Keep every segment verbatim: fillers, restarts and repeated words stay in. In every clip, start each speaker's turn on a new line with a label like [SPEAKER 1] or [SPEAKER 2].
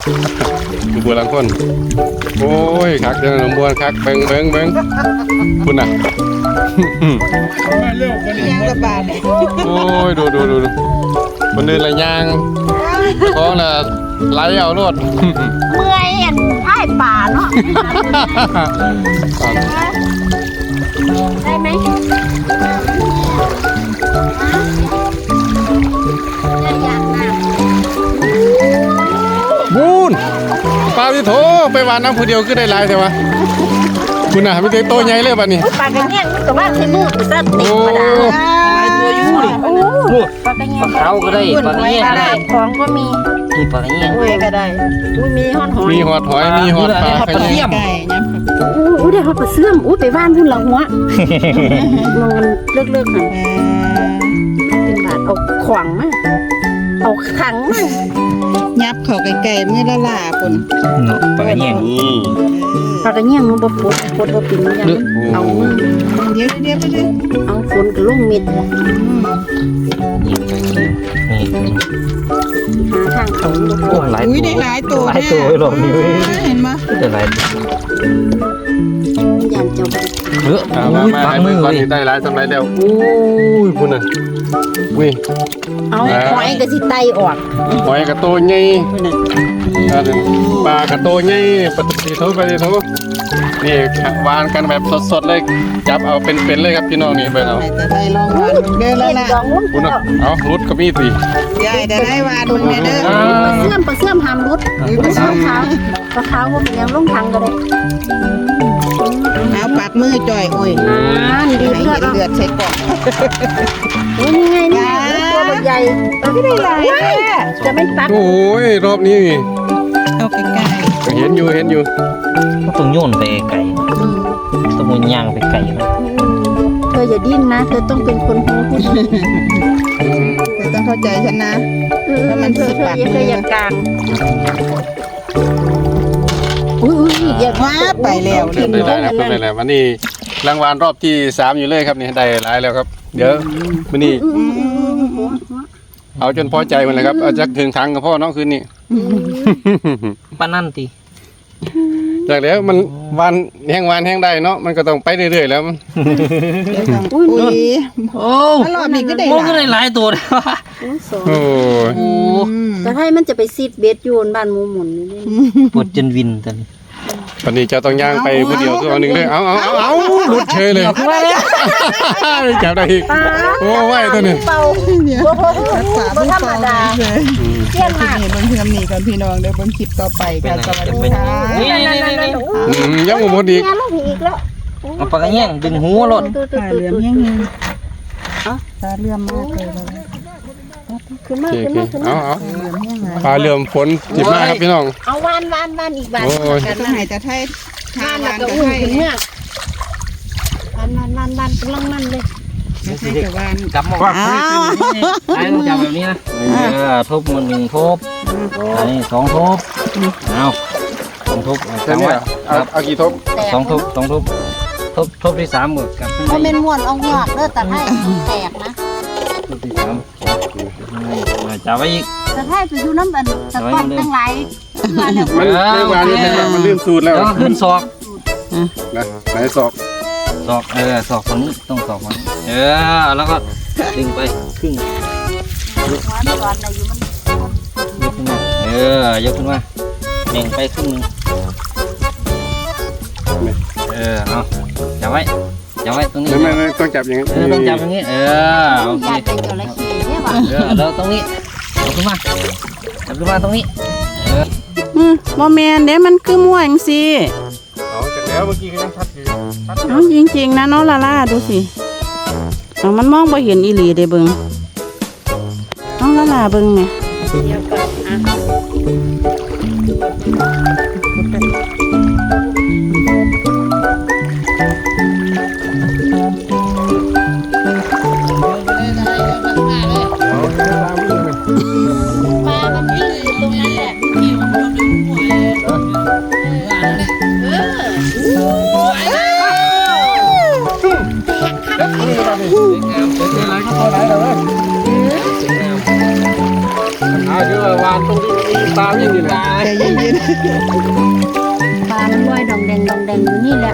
[SPEAKER 1] บัวลังคนโอ้ยคักเดินหนองบัวคักเบิ้งเบิ้งเบิ้งคุณน่ะ
[SPEAKER 2] ยังระบาดเลย
[SPEAKER 1] โอ้ยดูดูดูดูคนเดินอะไรย่างท้องน่ะไหลเอารถ
[SPEAKER 3] เมื่อยอันท้ายป่าเนาะได้ไหมได้ยังนะ
[SPEAKER 1] บูนปลาที่โถไปหวานน้ำผู้เดียวก็ได้หลายแต่ว่าคุณน่ะไม่ได้โตใหญ่เลยบัดนี้
[SPEAKER 3] ปลากระเงี้ยงมันก็ว่าใช้มือกูซะติดมาดา
[SPEAKER 2] ไอตัวยู่ดิ
[SPEAKER 3] โอ้ปลากระเงี้ยง
[SPEAKER 4] เขาก็ได้ปลาเงี้ย
[SPEAKER 3] ต
[SPEAKER 4] ก็ได้
[SPEAKER 3] ลาดของก็มี
[SPEAKER 4] มีปลาเงี้ย
[SPEAKER 2] เว้ยก็ได้
[SPEAKER 3] อุ้ยมีหอนหอย
[SPEAKER 1] มีหอดหอยมีหอดปลาขยี้
[SPEAKER 2] ไก่ยัง
[SPEAKER 3] อู้ได้หอดปลาเสื่อมอู้ไปบ้านพุ่นละหัวมองกันเลิกเลิกหันเป็นบาทเอาขวางมาเอาขังมา
[SPEAKER 2] ยับเขาไก่ๆมือละล่าคน
[SPEAKER 4] เนาะปลาเงี้ย
[SPEAKER 1] นี่
[SPEAKER 3] ปลากระเงี้ยงมันบ่ปวดปวดบ่ปิ่นมันยังเอามือ
[SPEAKER 2] เดี๋ยวเดี๋ยวเดี๋ยว
[SPEAKER 3] เอาฝนกับลงเม็ดหา
[SPEAKER 4] นี่
[SPEAKER 3] ทางเขาบ่
[SPEAKER 4] โอ้หลาย
[SPEAKER 2] อุ้ย
[SPEAKER 4] ตัว
[SPEAKER 2] ได้หลายตัว
[SPEAKER 4] หลายตัวหรอกนี่เว้ย
[SPEAKER 2] เห็นมั้ย
[SPEAKER 4] แต่หลายตัว
[SPEAKER 3] ยานเจ้าบ่
[SPEAKER 4] เออ
[SPEAKER 1] มา
[SPEAKER 4] โอ้
[SPEAKER 1] มาย มา
[SPEAKER 4] ปัก
[SPEAKER 1] ให้
[SPEAKER 4] มื
[SPEAKER 1] เบิ่
[SPEAKER 4] อง
[SPEAKER 1] ก่อน
[SPEAKER 4] เลย
[SPEAKER 1] นี่ได้หลายสำไรแล้วโอ้ยคุณน่ะอุ้ย
[SPEAKER 3] เอาหอยก็สิไตออก
[SPEAKER 1] หอยกระโตใหญ่
[SPEAKER 3] พุ่นน่ะ
[SPEAKER 1] อ่าปลากระโตใหญ่ปฏิทินปฏิทินนี่หวานกันแบบสดๆเลยจับเอาเป็นๆเลยครับพี่น้องนี่เบิ่งเอา
[SPEAKER 2] จะได้ลองวันเดินละ
[SPEAKER 3] เล่น
[SPEAKER 2] ล่ะ
[SPEAKER 3] ดองลง
[SPEAKER 1] คุณน่ะเอารุดก็มีสิ
[SPEAKER 2] ยายจะได้วานมึงเด้อ
[SPEAKER 3] ปลาเสื่อมปลาเสื่อมหามรุดปลาเสื่อมขาวปลาขาวบ่เป็นหยังลงทางก็ได้
[SPEAKER 2] เอาปากมือจ่อยโอ้ย
[SPEAKER 3] อ่านี่ดี
[SPEAKER 2] ให้
[SPEAKER 3] เลือด
[SPEAKER 2] เลือดใส่กล่อง
[SPEAKER 3] โอ้ยนี่ไงนี่ไงตัวมันใหญ่ตัวที่ได้หลายจะไม่ปัก
[SPEAKER 1] โอ้ยรอบนี้
[SPEAKER 2] เอาไก่
[SPEAKER 1] เห็นอยู่เห็นอยู่
[SPEAKER 4] ก็ต้องโยนไปไก่ต้องมันย่างไปไก่นะ
[SPEAKER 3] เธออย่าดิ้นนะเธอต้องเป็นคนหูผู้
[SPEAKER 2] ๆเธอต้องเข้าใจฉันนะ
[SPEAKER 3] แล้วมันเธอเธออย่าเธออย่ากลางอุ้ยอุ้ยอย่า
[SPEAKER 2] ว้าไปแล้ว
[SPEAKER 1] เรี
[SPEAKER 2] เรี
[SPEAKER 1] ย
[SPEAKER 2] ย
[SPEAKER 1] บบ ร้อยแล้วเป็นไรแล้ววันนี้รางวัลรอบที่สามอยู่เลยครับนี่ได้หลายแล้วครับ เดี๋ยววันนี้เอาจนพอใจมันเลยครับเอาจักถึงทางกับพ่อน้องคืนนี้
[SPEAKER 4] ปลานั่นตี
[SPEAKER 1] จากแล้วมันวันแห้งวันแห้งได้เนาะมันก็ต้องไปเรื่อยๆแล้ว
[SPEAKER 2] อุ้ย
[SPEAKER 4] โอ้
[SPEAKER 2] รอบนี้ก็ได้
[SPEAKER 4] โอ้ก็ได้หลายตัวเลยว่ะ
[SPEAKER 1] โอ้ย
[SPEAKER 4] โอ้
[SPEAKER 3] แต่ให้มันจะไปซีดเบสยูนบ้านหมูหมุนนี่
[SPEAKER 4] ปวดจนวินตอนนี้
[SPEAKER 1] วันนี้จะต้องย่างไปผู้เดียวคือวันหนึ่งเลยเอาเอาเอาเอาหลุดเฉยเลยจับได้อีกโอ้ไหวตัวนี้
[SPEAKER 3] เป่า
[SPEAKER 2] เดี๋ยว
[SPEAKER 3] โอ้โห
[SPEAKER 2] รักษา
[SPEAKER 3] บ่
[SPEAKER 2] ผู้
[SPEAKER 3] ธรรม
[SPEAKER 2] เฝ้า
[SPEAKER 3] ดา
[SPEAKER 2] เลย
[SPEAKER 3] เที่ยง
[SPEAKER 2] คลิป
[SPEAKER 3] มาก
[SPEAKER 2] นี้เบิ่งเพื่อนนี่ก่อนพี่น้องเดี๋ยวเบิ่งคลิปต่อไปค่ะสวัสดีค่ะ
[SPEAKER 4] นี่นี่นี่นี่
[SPEAKER 1] อืมยังบ่หมดอีก
[SPEAKER 3] งานลงอีกแล้ว
[SPEAKER 4] เอาปลาเงี้ยดึงหัวรถ
[SPEAKER 2] ตาเหลือมแห้งเลยตาเหลือมมากเลย
[SPEAKER 3] ขึ้นมา
[SPEAKER 1] โอเค
[SPEAKER 3] ขึ้น
[SPEAKER 1] โอเค
[SPEAKER 3] มาขึ้นมา
[SPEAKER 1] เอาเอา
[SPEAKER 2] เหลือมแห้งเลย
[SPEAKER 1] ปลาเรือมฝนจิบมากครับพี่น้อง
[SPEAKER 3] เอาวานวานวานอีกบาน
[SPEAKER 1] โอ้ย
[SPEAKER 3] กัน
[SPEAKER 2] จะ
[SPEAKER 3] นะ
[SPEAKER 2] ให้จะไทยทาว
[SPEAKER 3] าน
[SPEAKER 2] น
[SPEAKER 3] แล้วก็
[SPEAKER 2] จะ
[SPEAKER 3] อุ้ม
[SPEAKER 2] ให้
[SPEAKER 3] ขึ้นเมื่อวานวานวานวานกำลังมันเลย
[SPEAKER 2] จะให้จะวาน
[SPEAKER 4] กลับมาว่าไอ้ต้องจับแบบนี้นะเออทบมันหนึ่งทบอันนี้สองทบเอาสองทบ
[SPEAKER 1] แค่นี้อะเอาเอากี่ทบ
[SPEAKER 3] แตก
[SPEAKER 4] สองทบสองทบทบทบที่สามหมดกลับขึ้น
[SPEAKER 3] เขา
[SPEAKER 4] มา
[SPEAKER 3] เป็นม้วนเอาหยอดเด้อแต่ให้แตกนะ
[SPEAKER 4] ทบที่สามจับไว้อีก
[SPEAKER 3] แต่ให้ไปอยู่น้ำอันตะกอนตั้งหลายมาแล้ว
[SPEAKER 1] มันเรื่องวานนี้เห็นว่ามันลื่นสูตรแล้ว
[SPEAKER 4] แล้วก็ขึ้นศอก
[SPEAKER 1] นะไหนศอก
[SPEAKER 4] ศอกเออศอกฝั่งนี้ต้องศอกฝั่งนี้เออแล้วก็ดึงไปครึ่ง
[SPEAKER 3] ร้อนร้อนอะไรอยู่มัน
[SPEAKER 4] ยกขึ้นมาเออยกขึ้นมาเน่งไปครึ่งหนึงเออเอาจับไว้จับไว้ตรงนี้
[SPEAKER 1] ไม่ไม่ไม่ต้องจับอย่างนี้
[SPEAKER 4] เออต้องจับอย่างนี้เออโอเค
[SPEAKER 3] ยาใจจระเข้เนี่ยว่ะ
[SPEAKER 4] เออแล้วตรงนี้ยกขึ้นมาจับขึ้นมาตรงนี้เออ
[SPEAKER 2] อืมบ่แมนเด้มันคือม่วงสิ
[SPEAKER 1] เอาจากแล้วเมื่อกี้ก็ยังชัดอยู่ชัดอยู่
[SPEAKER 2] เอาจริงๆนะน้องลาล่าดูสิเอามันมองบ่เห็นอีหลีเด้เบิ่งน้องลาล่าเบิ่งแม่
[SPEAKER 3] เดี๋ยวก่อนอ่ะ มามันวิ่งอยู่ตรงนั้นแหละ
[SPEAKER 1] อ่าคือว่าวานตรงที่มีตาวิ่งอยู่เลย
[SPEAKER 2] ใจเย็น
[SPEAKER 3] ปลามันลอยดองแดงดองแดงอยู่นี่แหละ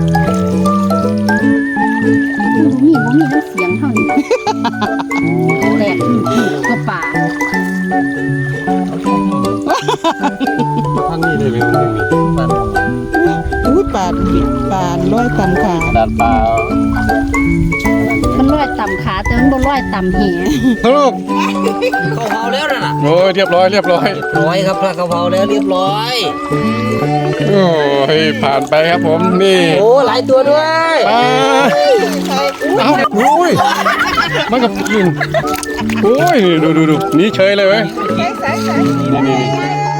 [SPEAKER 3] มีบ่มีน้ำเสียงเท่านี้แตกก็ป่า
[SPEAKER 1] ท่านนี่ได้ไหมมันมี
[SPEAKER 2] อุ้ยปาดปาดร้อยตำขา
[SPEAKER 1] ดานปลา
[SPEAKER 3] มันลอยต่ำขาแต่มันบ่ลอยต่ำแห
[SPEAKER 1] ลูก
[SPEAKER 4] กะเพราแล้วน่ะ
[SPEAKER 1] โอ้ยเรียบร้อยเรียบร้อย
[SPEAKER 4] ร้อยครับกะเพราแล้วเรียบร้อย
[SPEAKER 1] โอ้ยผ่านไปครับผมนี่
[SPEAKER 4] โอ้หลายตัวด้วย
[SPEAKER 1] ปลาเอ้าโอ้ยมันกับกินโอ้ยดูดูดูนี่เฉยเลยเว้ยนี่นี่นี่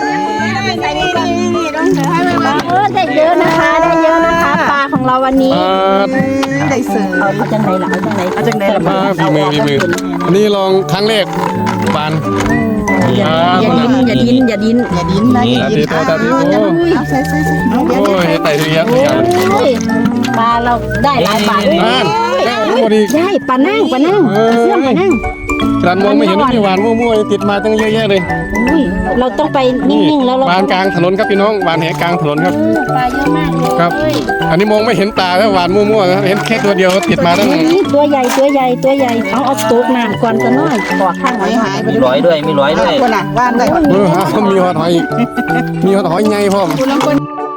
[SPEAKER 3] เออได้เยอะนะคะได้เยอะนะคะปลาของเราวันนี้
[SPEAKER 1] ปลา
[SPEAKER 2] ได้เสือ
[SPEAKER 3] เอาเอาจังไหนล่ะเอาจังไหน
[SPEAKER 2] เอาจังไหนล่ะ
[SPEAKER 1] ปลาฝีมือฝีมืออันนี้ลองครั้งแรกปาน
[SPEAKER 3] อย่าอย่าดิ้นอย่าดิ้นอย่าดิ้น
[SPEAKER 2] อย่าดิ้นนะ
[SPEAKER 1] ตาดีโตตาดีโต
[SPEAKER 2] เอาใส่ใส่ใส่เอาเดี๋ยว
[SPEAKER 1] โอ้ยไต่เรียกอย่าง
[SPEAKER 3] โอ้ยปลาเราได้หลายปลาด้วย
[SPEAKER 1] นั่นพอดี
[SPEAKER 3] ใช่ปลานั่งปลานั่งเสื่อมปลานั่ง
[SPEAKER 1] กระมองไม่เห็นพี่หวานมั่วๆติดมาตั้งเยอะแยะเลย
[SPEAKER 3] อุ้ยเราต้องไปนิ่งๆแล้วเรา
[SPEAKER 1] หวานกลางถนนครับพี่น้องหวานแหกลางถนนครับ
[SPEAKER 3] เออปลาเยอะมากเลย
[SPEAKER 1] ครับ อันนี้มองไม่เห็นตาแล้วหวานมั่วๆนะเห็นแค่ตัวเดียวติดมาตั้ง
[SPEAKER 3] นี่ตัวใหญ่ตัวใหญ่ตัวใหญ่เอาเอาตกน้ำก่อนจะน้อยกอดข้างไว้หายไป
[SPEAKER 4] มีร้อยด้วยมีร้อยด้วย
[SPEAKER 2] คนน่ะว่านได้คน
[SPEAKER 1] เออฮะมีหอดหอยอีกมีหอดหอยไงพ่อม
[SPEAKER 2] คุณลังคน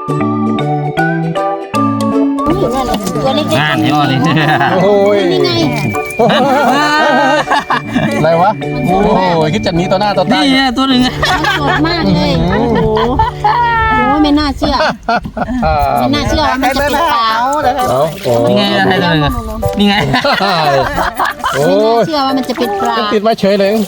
[SPEAKER 3] ตัวเล็ก
[SPEAKER 4] งานนี่อ่อนเลย
[SPEAKER 1] โอ้ย
[SPEAKER 3] ๆนี่ไง
[SPEAKER 1] อะไรวะโอ้ยคิดจัดนี้ต่อหน้าต่อตา
[SPEAKER 4] นี่ตัวหนึ่ง
[SPEAKER 3] สดมากเลยโอ้โหโอ้ยไม่น่าเชื่อไม่น่าเชื่อว่ามันจะเป็นปลา
[SPEAKER 1] เอาโอ้
[SPEAKER 4] นี่ไงอะไรตัวหนึ่งนี่ไง
[SPEAKER 1] โอ้
[SPEAKER 3] ไม่น่าย เชื่อว่ามันจะเป็นปลา
[SPEAKER 1] ติดมาเฉยเลย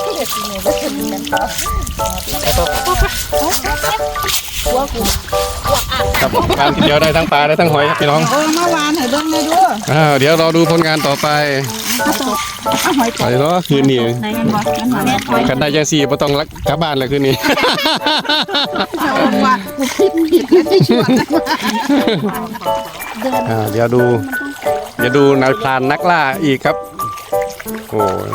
[SPEAKER 1] ครับงานทีเดียวได้ทั้งปลาได้ทั้งหอยครับพี่น้อง
[SPEAKER 2] เออเมื่อวานให้เบิ่งเลยด้วย
[SPEAKER 1] อ้าวเดี๋ยวเราดูผลงานต่อไปไปเนาะคืนนี้กันได้ยังสี่บ่ต้องรักกลับบ้านเลยคืนนี้
[SPEAKER 2] ว่ากูคิดผิดแล้วที่ชวน
[SPEAKER 1] อ่าเดี๋ยวดูเดี๋ยวดูนายพรานนักล่าอีกครับโอ้ย